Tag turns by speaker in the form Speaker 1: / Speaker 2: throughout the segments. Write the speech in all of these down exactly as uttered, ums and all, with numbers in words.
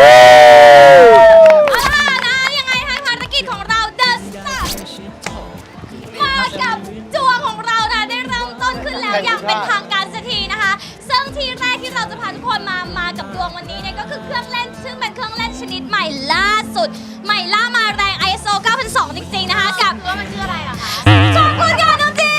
Speaker 1: เอาล่ะนะยังไงให้ภารกิจของเรา The Star มากับจัวของเรานะได้เริ่มต้นขึ้นแล้วอย่างเป็นทางการสักทีนะคะซึ่งที่แรกที่เราจะพาทุกคนมามากับดวงวันนี้เนี่ยก็คือเครื่องเล่นซึ่งเป็นเครื่องเล่นชนิดใหม่ล่าสุดใหม่ล่ามาแรง ไอ เอส โอ เก้าพันสองร้อย จริงๆนะคะกับว่ามันชื่ออะไรอะคะขอบคุณค่ะน้องจี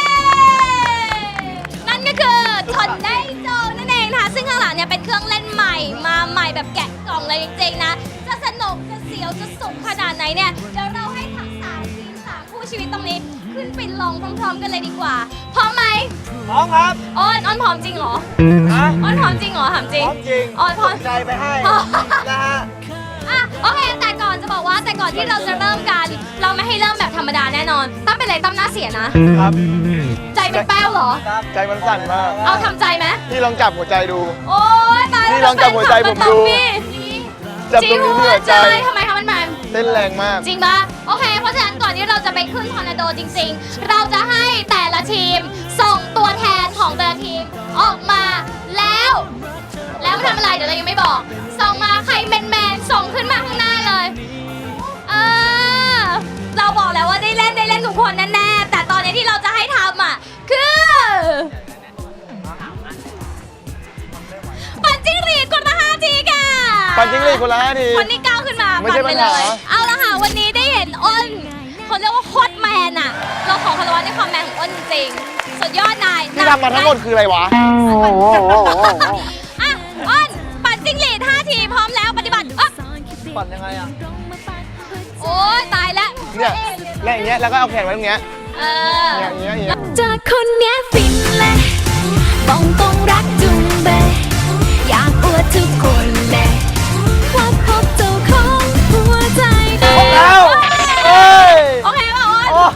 Speaker 1: นั่นก็คือทอนไดโจนั่นเองนะคะซึ่งข้างหลังเนี่ยเป็นเครื่องเล่นใหม่มาใหม่แบบแกะกล่องเลยจริงๆนะจะสนุกจะเสียวจะสุขขนาดไหนเนี่ยเดี๋ยวเราให้ทั้งสามทีมสามคู่ชีวิตตรงนี้ขึ้นไปลองพร้อมๆกันเลยดีกว่าพร้อมไหม
Speaker 2: พร้อมครับ
Speaker 1: อ้อนอ้อนพร้อมจริงเหรอ
Speaker 2: ฮะ
Speaker 1: อ้อนพร้อมจริงเหรอถามจริง
Speaker 2: พร้อมจริง
Speaker 1: อ้อนพร้อม
Speaker 2: ใจไปให้นะฮะ
Speaker 1: อ่ะโอเคแต่ก่อนจะบอกว่าแต่ก่อนที่เราจะเริ่มกันเราไม่ให้เริ่มแบบธรรมดาแน่นอนตั้มเป็นไรตั้มหน้าเสียนะครับ ใจเป็นแป้วเหรอ
Speaker 2: ใจมันสั่นมาก
Speaker 1: เอาทำใจไหม
Speaker 2: พี่ลองจับหัวใจดู
Speaker 1: โอ๊ยตาย
Speaker 2: นี่ลองจับหัวใจผมดู จับตรงนี้ที่หัวใจ
Speaker 1: ทำไมคะมันมัน
Speaker 2: เต้นแรงมาก
Speaker 1: จริงปะโอเค เพราะฉะนั้นก่อนที่เราจะไปขึ้นทอร์นาโดจริงๆ เราจะให้แต่ละทีมส่งตัวแทนของแต่ละทีมออกมาแล้ว แล้วทำอะไรเดี๋ยวเรายังไม่บอก ส่งมาใครแมนแมนๆส่งขึ้นมาข้างหน้าเลยเออเราบอกแล้วว่าได้เล่นได้เล่นทุกคนแน่ๆแต่ตอนนี้ที่เราจะให้ทำอ่ะคือปั่นจิ้งหรีดคนละห้าทีค่ะ
Speaker 2: ปั่นจิ้งหรีดคนละห้าที
Speaker 1: คนที่ก้าวขึ้นมา
Speaker 2: ไม่ใช่
Speaker 1: ปั่นไป
Speaker 2: ปัญ
Speaker 1: เล
Speaker 2: หา
Speaker 1: ยเอาละค่ะวันนี้ได้เห็นอ้นเขาเรียกว่าโคตรแมนอ่ะเราขอคารวะในความแมนของอ้นจริงๆสุดยอดนาย
Speaker 2: ที่ทำมาทั้งหมดคืออะไรวะ
Speaker 1: อ่ะอ้นปั่นจิ้งหรีดห้าทีพร้อมแล้วปฏิบัติอ๊ะ
Speaker 2: ปั่นยังไงอ่ะ
Speaker 1: โอ้ยตายแล้ว
Speaker 2: เนี่ยแล้วอย่างเงี้ย แล้วก็เอาแขนไว้ตรงเนี้ย
Speaker 1: เออ
Speaker 2: เนี่ยอย่างเงี้ยอย่างเงี้ย
Speaker 3: จากคนเนี้ยฟินเลยบอกตรงรักจุงเบยอยากอวดทุกคนเลยว่าพบเจ้าของหัวใจได้
Speaker 2: ครบแล้วเอ้ย
Speaker 1: โอเคป่ะอ้น
Speaker 2: โอ้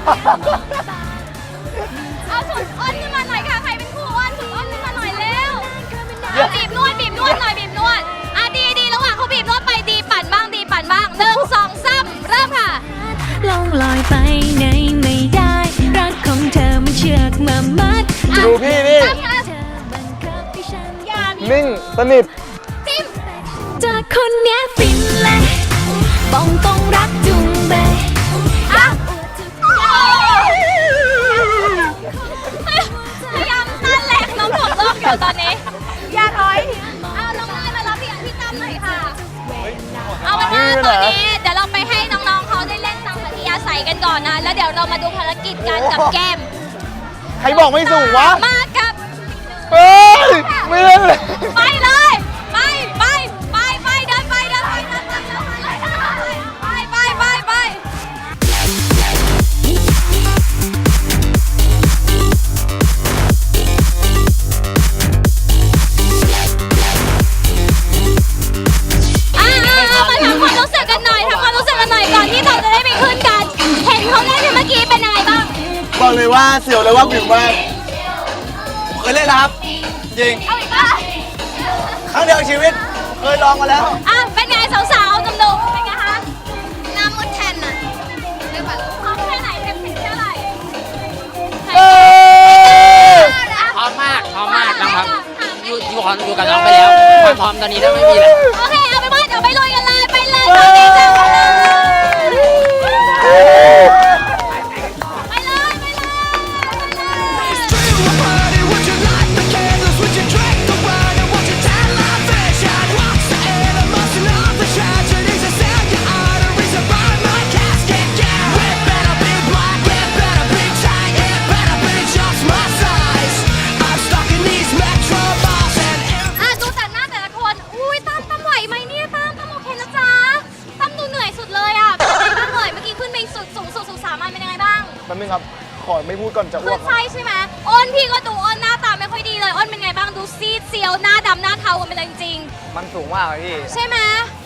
Speaker 1: เอาสุดอ้นขึ้นมาหน่อยค่ะใครเป็นคู่อ้นสุดอ้นขึ้นมาหน่อยเร็วเอาบีบนวดบีบนวดหน่อยบีบนวดอ่ะดีดีระหว่างเขาบีบนวดไปดีปั่นบ้างดีปั่นบ้างหนึ่งสองสามเริ่มค่ะ
Speaker 3: ลองลอยไปไหนไม่ได้ รักของเธอมันเชือกมามัด
Speaker 2: ดูพี่นี่
Speaker 1: เริ่มค่ะ
Speaker 3: เธอบังคับให้ฉัน
Speaker 1: อย่ามี
Speaker 2: นิ่งสนิท
Speaker 1: จิ้ม
Speaker 3: จากคนเนี้ยฟินเลยบอกตรงรักจุงเบย
Speaker 1: อ่ะพยายามต้านแรงน้องถ่วงโลกอยู่ตอนนี้อย่าถอยเอาน้องนายมารับพี่อันพี่ตั้มหน่อยค่ะ เอาเป็นว่าตอนนี้เดี๋ยวเราไปให้น้องๆเขาได้เล่นตามอัธยาศัยกันก่อนนะ แล้วเดี๋ยวเรามาดูภารกิจกันกับเกม
Speaker 2: ใครบอกไม่สูงวะ
Speaker 1: มากับ
Speaker 2: เฮ้ย ไม่เล่นเลย
Speaker 1: ไปเลย ไปไปไปไปเดินไปเดินไปเดินไปเดินไปไปไปไปไปอ่ามาทำความรู้สึกกันหน่อยทำความรู้สึกกันหน่อยก่อนที่เราจะได้ไปขึ้นกัน เห็นเขาเล่นเมื่อกี้เป็นยังไงบ้าง
Speaker 2: บอกเลยว่าเสียวเลยว่าผิวมากเคยเล่นแล้วครับ จริง
Speaker 1: เอาอีกป่ะ
Speaker 2: ครั้งเดียวในชีวิต เคยลองมาแล้ว
Speaker 1: อ่ะเป็นไงสาวๆหนุ่มๆเป็นไงคะหน้ามืดแทนน่ะเรียกว่าพร้อมแค่ไหนเต็มสิบเท่าไหร่
Speaker 2: เอ้ย
Speaker 4: พร้อมมาก พร้อมมากนะครับ อยู่อยู่ของอยู่กับน้องไปแล้ว ความพร้อมตอนนี้ถ้าไม่มีแล้ว
Speaker 1: โอเคเอาเป็นว่าเดี๋ยวไปลุยกันเลยไปเลยตอนนี้จ้าไปเลยไปเลยไปเลย อ่ะดูแต่หน้าแต่ละคน อุ้ยตั้มตั้มไหวไหมเนี่ยตั้มตั้มโอเคนะจ๊ะตั้มดูเหนื่อยสุดเลยอ่ะเป็นยังไงบ้างเลยเมื่อกี้ขึ้นไปสุดสูงสุดสุดสามัญเป็นยังไงบ้าง
Speaker 2: แป๊บนึงครับ ขอไม่พูดก่อนจะอ้
Speaker 1: ขึ้
Speaker 2: วน ก
Speaker 1: ไส้ใช่ไหมอ้นพี่ก็ดูอ้นหน้าตาไม่ค่อยดีเลยอ้นเป็นไงบ้างดูซีดเซียวหน้าดำหน้าเทากันไปเลยจริง
Speaker 2: มันสูงมากเลยพี่
Speaker 1: ๆใช่ไหม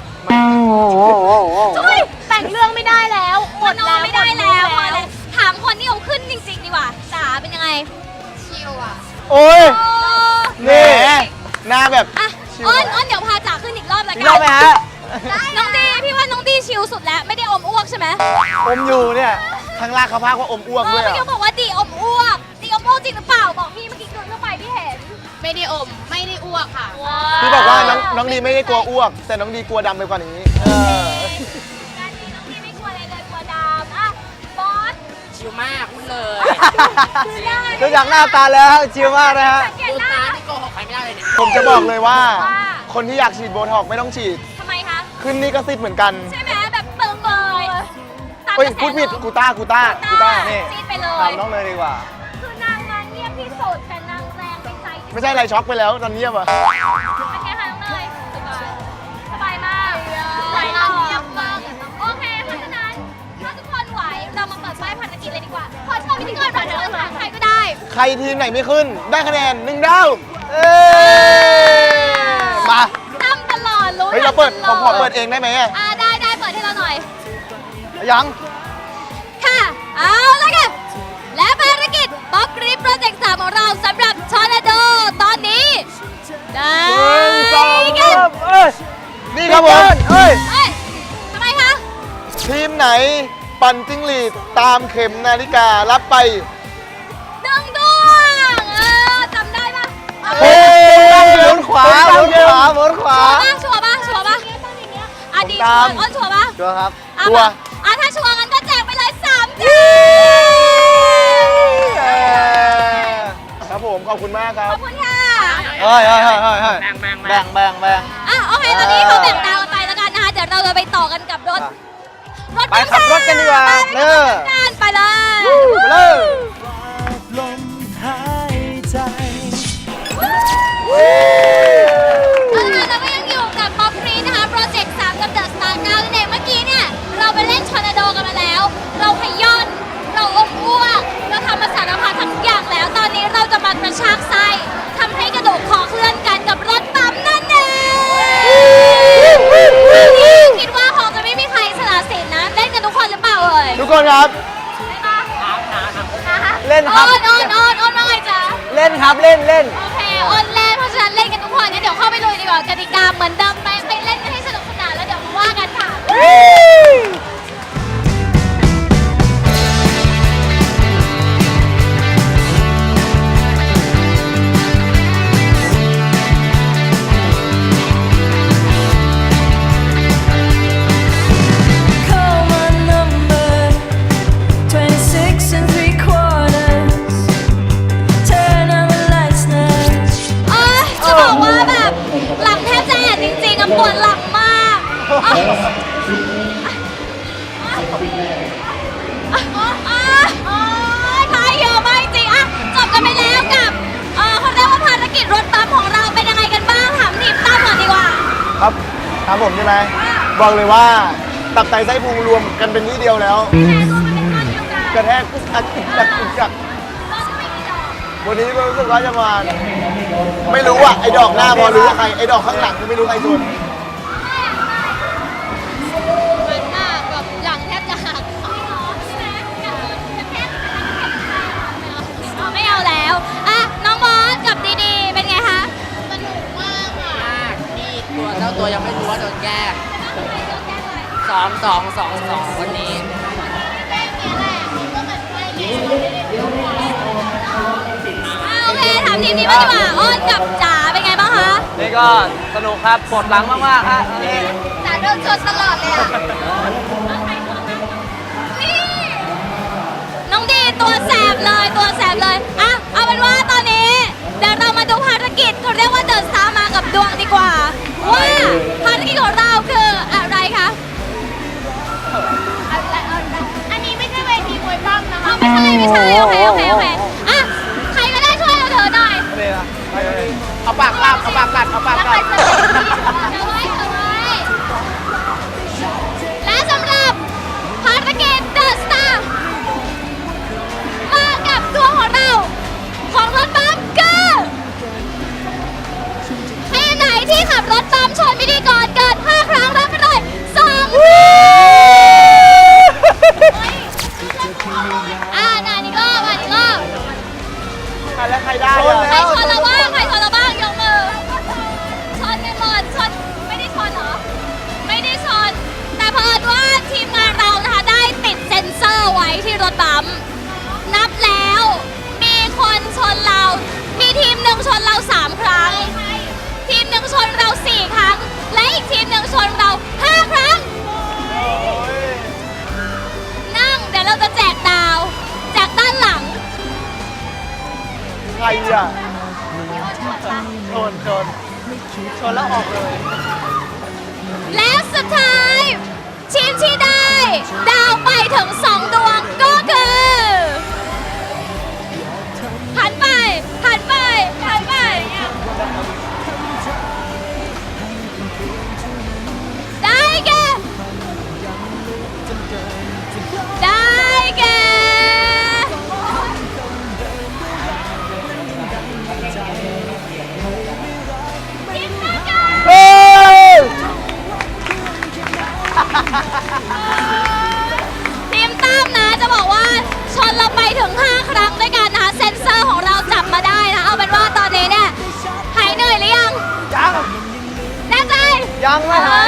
Speaker 3: จุ้ยแต่งเรื่องไม่ได้แล้วหมดแล้ว
Speaker 1: ไม่ได้แล้วพอแล้วถามคนที่เอาขึ้นจริงๆดีกว่าจ๋าเป็นยังไง
Speaker 2: โอ้ย
Speaker 1: โอ้
Speaker 2: นี่หน้าแบบ
Speaker 1: อ่ะอ้นอ้นเดี๋ยวพาจ๋าขึ้นอีกรอบละ
Speaker 2: อีก
Speaker 1: กั
Speaker 2: รอบไหมฮะ
Speaker 1: น้องดีพี่ว่าน้องดีชิลสุดแล้วไม่ได้อมอ้วกใช่ไหม
Speaker 2: อมอยู่เนี่ยข้างล่างเขาพากว่าอมอ้วก
Speaker 1: เอ
Speaker 2: ด้
Speaker 1: อ
Speaker 2: วย
Speaker 1: เมื่อ
Speaker 2: อะ
Speaker 1: กี้บอกว่าดีอมอ้วกดีอมอ้วกจริงหรือเปล่าบอกพี่เมื่อกี้เดินเข้าไปพี่เห็นไม่ได้อม ไม่ได้อ้วกค่ะ
Speaker 2: พี่บอกว่าน้องน้องดีไม่ได้กลัวอ้วก แต่น้องดีกลัวดำไปกว่านี้เออ
Speaker 1: การนี้น้องดีไม่กลัวอะไรเลยกลัวดำอ่ะบอส
Speaker 4: ชิวมากพูดเลย
Speaker 2: ดูจากหน้าตาแล้วชิลมากนะฮะ
Speaker 1: สังเกต
Speaker 4: ดู
Speaker 1: หน้า
Speaker 4: ตาที่โกหกใครไม่ได้เลยเนี่ย
Speaker 2: ผมจะบอกเลยว่า
Speaker 1: ว่า
Speaker 2: คนที่อยากฉีดโบท็อกซ์ไม่ต้องฉีด
Speaker 1: ทำไมคะ
Speaker 2: ขึ้นนี่ก็ซิดเหมือนกัน
Speaker 1: ใช่ไหมแบบตึงเลยตาม
Speaker 2: เฮ้ย
Speaker 1: กระแส
Speaker 2: พูดผิด
Speaker 1: ลม
Speaker 2: กูต้ากูต้ากูต้านี่
Speaker 1: ซีดไปเล
Speaker 2: ถาย มน้องเลยดีกว่า
Speaker 1: คือนางงานเงียบที่สุดแต่นางแรงเป็นใจที่สุด
Speaker 2: ไม่ใช่อะไรช็อกไปแล้วตอนเงียบอะ
Speaker 1: เป็นไงคะน้องเนยสบายสบายมากไหวเงียบมากโอเคเพราะฉะนั้นถ้าทุกคนไหวเรามาเปิดป้ายภารกิจเลยดีกว่าขอเชิญพิธีกรรับเชิญค่ะใครก็ได้
Speaker 2: ใครทีมไหนไม่ขึ้น ได้คะแนนหนึ่งดาวเอ้ยมา
Speaker 1: ตั้มตลอดรู้
Speaker 2: เฮ้ยเราเปิด
Speaker 1: ต
Speaker 2: ผม
Speaker 1: ล
Speaker 2: ขอเปิดเองได้ไหมอะ
Speaker 1: อ่าได้ได้เปิดให้เราหน่อย
Speaker 2: ยัง
Speaker 1: ค่ะ เอาละค่ะ และภารกิจป๊อปกรีฟโปรเจกต์สามของเราสำหรับชอร์นาโดตอนนี้ ได้
Speaker 2: หนึ่งสอง
Speaker 1: กัน
Speaker 2: สามเอ้ยนี่ครับผมเอ้ย
Speaker 1: เอ้ยทำไมคะ
Speaker 2: ทีมไหนปั่นจิ้งหรีดตามเข็มนาฬิการับไป
Speaker 1: หนึ่งดวงเออจำได้ปะ
Speaker 2: เฮ้ยหมุนขวาหมุนขวาหมุนขวา
Speaker 1: ชัวร์ปะชัวร์ปะชัวร์ปะอ่ะดี
Speaker 2: ตา
Speaker 1: ชัว
Speaker 2: ม
Speaker 1: ร์อ้นชัวร์ปะ
Speaker 2: ชัวร์ครับ
Speaker 1: อ่ะ
Speaker 2: ชัวร์
Speaker 1: อ่ะถ้าชัวร์งั้นก็แจกไปเลยสามแจ
Speaker 2: เออครับผมขอบคุณมากครั
Speaker 1: ข
Speaker 2: บ
Speaker 1: อบคุณค่ะ
Speaker 2: เฮ้ยเฮ้ยเฮ้ยเฮ้ยเฮ้ย
Speaker 4: แบ่งแบ่ง
Speaker 2: แบ่งแบ่งแบ่ง
Speaker 1: อ่ะโอเคตอนนี้เขาแบ่งดาวกันไปแล้วกันนะคะเดี๋ยวเราจะไปต่อกันกับรถ รถ
Speaker 2: ไปขับรถกันดีกว่า
Speaker 1: ไป
Speaker 2: เออ
Speaker 1: กันไปเลย
Speaker 2: ไปเลย
Speaker 5: ลมหายใจ
Speaker 1: เอาล่ะเราก็ยังอยู่กับป๊อปฟรีนะคะโปรเจกต์สามกับเดอะสตาร์เก้านั่นเองเมื่อกี้เนี่ยเราไปเล่นชอร์นาโดกันมาแล้ว เราขย้อนเราอมอ้วกเราทำมาสารพัดทั้งอย่างแล้ว ตอนนี้เราจะมากระชากไส้ทำให้กระดูกคอเคลื่อนกันกับรถปั๊มนั่นเองนี่คิดว่าคงจะไม่มีใครสละสิทธิ์นะเล่นกันทุกคนหรือเปล่าเอ่ย
Speaker 2: ทุกคนครับ เล่นครับ
Speaker 1: โอนโอนโอนโอนว่าไงจ๊ะ
Speaker 2: เล่นครับเล่นเล่น
Speaker 1: โอเคโอนเล่นเพราะฉะนั้นเล่นกันทุกคนงั้นเดี๋ยวเข้าไปลุยดีกว่ากติกาเหมือนเดิมไปไปเล่นกันให้สนุกสนานแล้วเดี๋ยวมาว่ากันค่ะ
Speaker 5: Call my number twenty-six and three quarters. Turn on the lights now.
Speaker 1: เอ้ยจะบอกว่าแบบหลังแทบจะแอนจริงๆอะปวดหลังมากอ่ะอ่ะอ่ะโอ๊ยทายเยอะมากจริงอะจบกันไปแล้วกับเออเขาเรียกว่าภารกิจรถปั๊มของเราเป็นยังไงกันบ้างถามทีมตั้มก่อนดีกว่า
Speaker 2: ครับถามผมใช่ไหมบอกเลยว่าตับไตไส้พุงรวมกันเป็นที่เดียวแล้ว
Speaker 1: แค่ตัวมันเป็นก้อนเดียวกัน
Speaker 2: กระแทกอึกอักอึกอักอึกอัก
Speaker 1: เราจะไม่มีดอก
Speaker 2: วันนี้ก็รู้สึกว่าจะมาไม่รู้อ่ะไอ้ดอกหน้าพอรู้ว่าใครไอ้ดอกข้างหลังไม่รู้ใครชน
Speaker 1: มันมากแบบหลังแทบจะหักไม่เอาแล้วอ่ะน้องบอสกับดีดีเป็นไงคะสนุกมากอ่ะ
Speaker 4: มากนี่ตัวเจ้าตัวยังไม่รู้ว่าโดนแก้สองสองสองสองวันนี้
Speaker 1: โอเคถามทีมนี้บ้างดีกว่าอ้นกับจ๋าเป็นไงบ้างคะ
Speaker 2: นี่ก็สนุกครับปวดหลังมากๆฮะนี่
Speaker 1: จ๋าโดนชนตลอดเลยอ่ะน้องดีตัวแสบเลยตัวแสบเลยอ่ะเอาเป็นว่าตอนนี้เดี๋ยวเรามาดูภารกิจเขาเรียกว่าเดินสามากับดวงดีกว่าว่าภารกิจของเราคืออะไรคะอันนี้ไม่ใช่เวทีมวยปั้มนะคะไม่ใช่ไม่ใช่โอเคโอเคโอเคอ่ะใครก็ได้ช่วยเราเถอะหน่อย
Speaker 2: นี่นะไปเลย
Speaker 4: เอาปากกัดเอาปากกัดเอาปาก
Speaker 1: แล้ว
Speaker 4: กั
Speaker 1: ใคร
Speaker 4: ด
Speaker 1: จะเอาไว้เอาไว้และสำหรับภารกิจ The Star มากับตัวของเรา ของรถบัมคือให้อันไหนที่ขับรถบัมชนพิธีกรเกินห้าครั้งรับไปเลยสองอ่าอันนี้ก็อันนี้ก็
Speaker 2: นชนชนแล้วออกเลย
Speaker 1: แล้วสุดท้ายทีมที่ได้ดาวไปถึงสองดวงก็คือหันไปหันไปหันไปได้แก่ได้แก่ทีมนักการ
Speaker 2: เฮ้ย
Speaker 1: ทีมตั้มนะจะบอกว่าชนเราไปถึงห้าครั้งด้วยกันนะคะเซนเซอร์ของเราจับมาได้นะเอาเป็นว่าตอนนี้เนี่ยหายเหนื่อยหรือยัง
Speaker 2: ยัง
Speaker 1: แน่ใจ
Speaker 2: ยังไม่หาย